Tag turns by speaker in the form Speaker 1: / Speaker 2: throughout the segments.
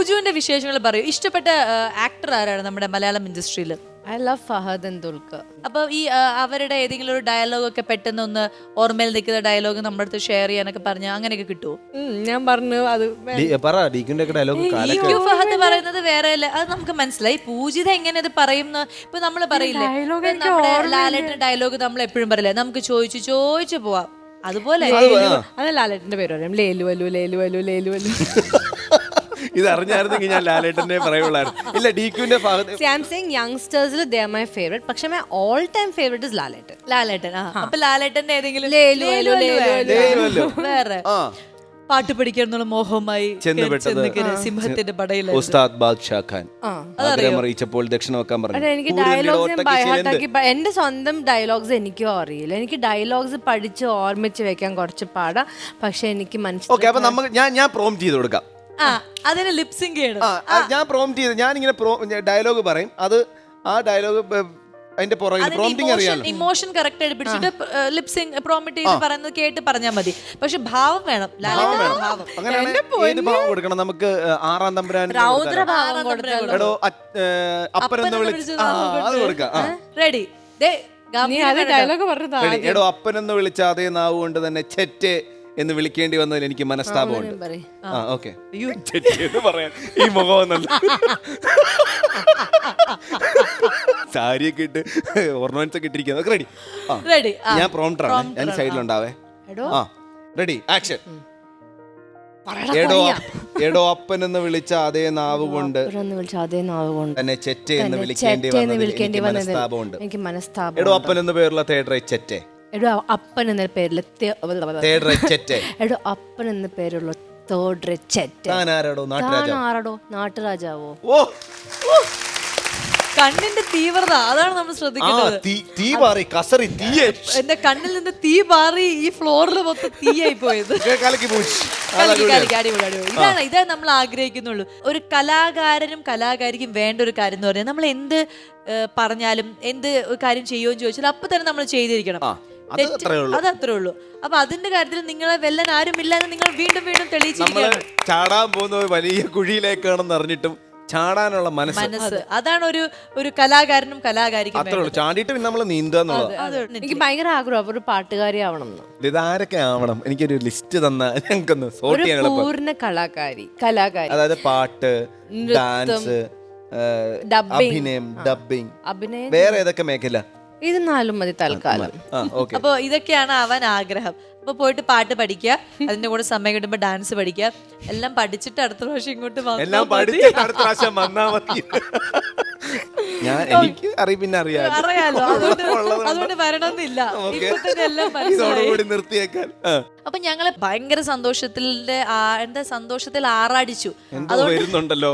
Speaker 1: പൂജുവിന്റെ വിശേഷങ്ങൾ പറയൂ. ഇഷ്ടപ്പെട്ട ആക്ടർ ആരാണ് നമ്മുടെ മലയാളം ഇൻഡസ്ട്രിയിൽ?
Speaker 2: I love Fahad and Dulquer.
Speaker 1: അപ്പൊ ഈ അവരുടെ ഏതെങ്കിലും ഒരു ഡയലോഗ് ഒക്കെ പെട്ടെന്ന് ഒന്ന് ഓർമ്മയിൽ നിൽക്കുന്ന ഡയലോഗ് നമ്മുടെ അടുത്ത് ഷെയർ ചെയ്യാനൊക്കെ പറഞ്ഞ അങ്ങനെയൊക്കെ കിട്ടുമോ?
Speaker 2: ഞാൻ പറഞ്ഞു അത്
Speaker 1: ഫഹദ് പറയുന്നത് വേറെ അല്ല, അത് നമുക്ക് മനസ്സിലായി. പൂജിത എങ്ങനെ അത് പറയുന്ന ഇപ്പൊ നമ്മള് പറയില്ലേ, നമ്മുടെ ലാലേട്ടന്റെ ഡയലോഗ് നമ്മൾ എപ്പോഴും പറയില്ലേ, നമുക്ക് ചോദിച്ചു പോവാം. അതുപോലെ
Speaker 2: അത് ലാലേട്ടന്റെ പേര് പറയാം, ലേലു അലു ലേലു അലു ലേലു അലു.
Speaker 3: ഇത് അറിഞ്ഞായിരുന്നെങ്കിൽ ഞാൻ ലാലേട്ടനെ പറയുള്ളായിരുന്നു. ഇല്ല, ഡിക്യുവിന്റെ
Speaker 2: യങ്സ്റ്റേഴ്സിൽ they are my favorite. പക്ഷെ my all time favorite is ലാലേട്ടൻ.
Speaker 1: അപ്പൊ ലാലേട്ടന്റെ ഏതെങ്കിലും വേറെ പാട്ട് പഠിക്കാനുള്ള മോഹമായി സിംഹത്തിന്റെ പടയിൽ
Speaker 3: ഉസ്താദ് ബാദ്ഷാ ഖാൻ ആഗ്രഹം അറിയിച്ചപ്പോൾ ദക്ഷിണ വെക്കാൻ പറഞ്ഞു.
Speaker 2: എനിക്ക് ഡയലോഗ്സ് എന്റെ സ്വന്തം ഡയലോഗ്സ് എനിക്കും അറിയില്ല. എനിക്ക് ഡയലോഗ്സ് പഠിച്ച് ഓർമ്മിച്ച് വെക്കാൻ കുറച്ച് പാടാ. പക്ഷെ എനിക്ക് മനസ്സിലായി.
Speaker 3: അപ്പൊ നമുക്ക് ഞാൻ പ്രോംപ്റ്റ് ചെയ്ത് കൊടുക്കാം.
Speaker 1: അതിന് ലിപ്സിംഗ് ചെയ്യണം.
Speaker 3: ഞാൻ പ്രോംപ്റ്റ് ചെയ്ത് ഞാൻ ഇങ്ങനെ ഡയലോഗ് പറയും. അത് ആ ഡയലോഗ് അതിന്റെ പുറകിൽ പ്രോംപ്റ്റിംഗ് അറിയാലോ.
Speaker 1: ഇമോഷൻ കറക്റ്റ് ആയിട്ട് പിടിച്ചിട്ട് ലിപ്സിംഗ് പ്രോംപ്റ്റ് ചെയ്ത് പറയുന്നത് കേട്ട് പറഞ്ഞാൽ മതി. പക്ഷെ ഭാവം വേണം.
Speaker 3: അങ്ങനെ ഏത് ഭാവം കൊടുക്കണം? നമുക്ക് ആറാം തമ്പുരാൻ എടോ അപ്പനെന്ന് വിളിച്ച് അത് കൊടുക്കാം.
Speaker 1: റെഡി?
Speaker 3: എടോ അപ്പനെന്ന് വിളിച്ച അതേ നാവ് കൊണ്ട് തന്നെ ചെറ്റെ എന്ന് വിളിക്കേണ്ടി വന്നതിൽ എനിക്ക് മനസ്താപമുണ്ട്. ഓക്കെ, പറയാൻ ഈ മുഖമൊന്നല്ല, സാരിയൊക്കെ ഇട്ട് ഓർണമെന്റ്സ് ഒക്കെ ഇട്ടിരിക്കുന്നത്. റെഡി? ഞാൻ പ്രോംപ്റ്ററാണ്, ഞാൻ സൈഡിലുണ്ടാവേ. Ready, action. എടോ അപ്പനെന്ന് വിളിച്ച അതേ നാവ് കൊണ്ട് തന്നെ ചെറ്റെ എന്ന് വിളിക്കേണ്ടി വന്നതിൽ എനിക്ക് മനസ്താപമുണ്ട്. എടോ അപ്പൻ എന്ന് പേരുള്ള തേർഡ് റൈറ്റ് ചെറ്റെ.
Speaker 2: എടോ അപ്പൻ എന്ന പേരിൽ എടോ അപ്പൻ എന്ന പേരുള്ള തേർഡ് റെച്ചെറ്റ്. ആരാടോ? നാട്ടുരാജാവോ?
Speaker 1: കണ്ണിന്റെ തീവ്രത അതാണ് നമ്മൾ ശ്രദ്ധിക്കുന്നത്. എന്റെ കണ്ണിൽ നിന്ന് തീ പാറി ഈ ഫ്ലോറിൽ മൊത്തം തീയായി പോയത്. ഇതാണ് നമ്മൾ ആഗ്രഹിക്കുന്നുള്ളൂ. ഒരു കലാകാരനും കലാകാരിക്കും വേണ്ട ഒരു കാര്യം എന്ന് പറഞ്ഞാൽ നമ്മൾ എന്ത് പറഞ്ഞാലും എന്ത് കാര്യം ചെയ്യുമെന്ന് ചോദിച്ചാൽ അപ്പൊ തന്നെ നമ്മൾ ചെയ്തിരിക്കണം. അത് അത്രേ ഉള്ളൂ. അപ്പൊ അതിന്റെ കാര്യത്തിൽ നിങ്ങളെ വെല്ലാൻ ആരുമില്ല എന്ന് നിങ്ങൾ വീണ്ടും വീണ്ടും തെളിയിച്ചിരിക്കുകയാണ്.
Speaker 3: ചാടാൻ പോകുന്ന വലിയ കുഴിയിലേക്കാണെന്ന് അറിഞ്ഞിട്ടും ചാടാനുള്ള മനസ്സ്,
Speaker 1: അതാണ് ഒരു കലാകാരനും കലാകാരിക്കും.
Speaker 3: ചാടിയിട്ട് പിന്നെ നമ്മൾ നീന്താന്നുള്ളത്.
Speaker 2: എനിക്ക് ഭയങ്കര ആഗ്രഹം ഒരു പാട്ടുകാരി ആവണം.
Speaker 3: ഇതാരൊക്കെ ആവണം? എനിക്കൊരു ലിസ്റ്റ് തന്ന ഞങ്ങൾക്കൊന്ന് സോർട്ട് ചെയ്യാൻ.
Speaker 2: പൂർണ്ണ കലാകാരി,
Speaker 3: അതായത് പാട്ട്, ഡാൻസ്, അഭിനയം, ഡബ്ബിംഗ്, വേറെ ഏതൊക്കെ മേഖല?
Speaker 2: ഇത് 4 മതി തൽക്കാലം.
Speaker 1: അപ്പൊ ഇതൊക്കെയാണ് അവൻ ആഗ്രഹം. അപ്പൊ പോയിട്ട് പാട്ട് പഠിക്കുക, അതിന്റെ കൂടെ സമയം കിട്ടുമ്പോ ഡാൻസ് പഠിക്കുക. എല്ലാം പഠിച്ചിട്ട് അടുത്ത പ്രാവശ്യം ഇങ്ങോട്ട്
Speaker 3: എനിക്ക് അറിയാലോ.
Speaker 1: അതുകൊണ്ട് വരണമെന്നില്ല. ഇപ്പൊ തന്നെ എല്ലാം മനസ്സിലായി.
Speaker 3: നിർത്തിയേക്കാൻ.
Speaker 1: അപ്പൊ ഞങ്ങള് ഭയങ്കര സന്തോഷത്തിൽ ആറാടിച്ചു.
Speaker 3: വരുന്നുണ്ടല്ലോ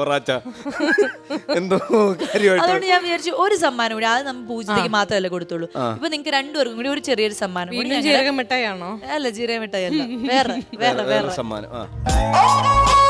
Speaker 1: അതുകൊണ്ട് ഞാൻ വിചാരിച്ചു ഒരു സമ്മാനം കൂടി. അത് നമ്മൾ പൂജയ്ക്ക് മാത്രമല്ല കൊടുത്തുള്ളൂ. ഇപ്പൊ നിങ്ങൾക്ക് രണ്ടുപേർക്കും കൂടി ഒരു ചെറിയൊരു സമ്മാനം കൂടി.
Speaker 2: ജീരക മിഠായി ആണോ?
Speaker 1: അല്ല, ജീരക മിഠായി അല്ല, വേറെ
Speaker 3: സമ്മാനം.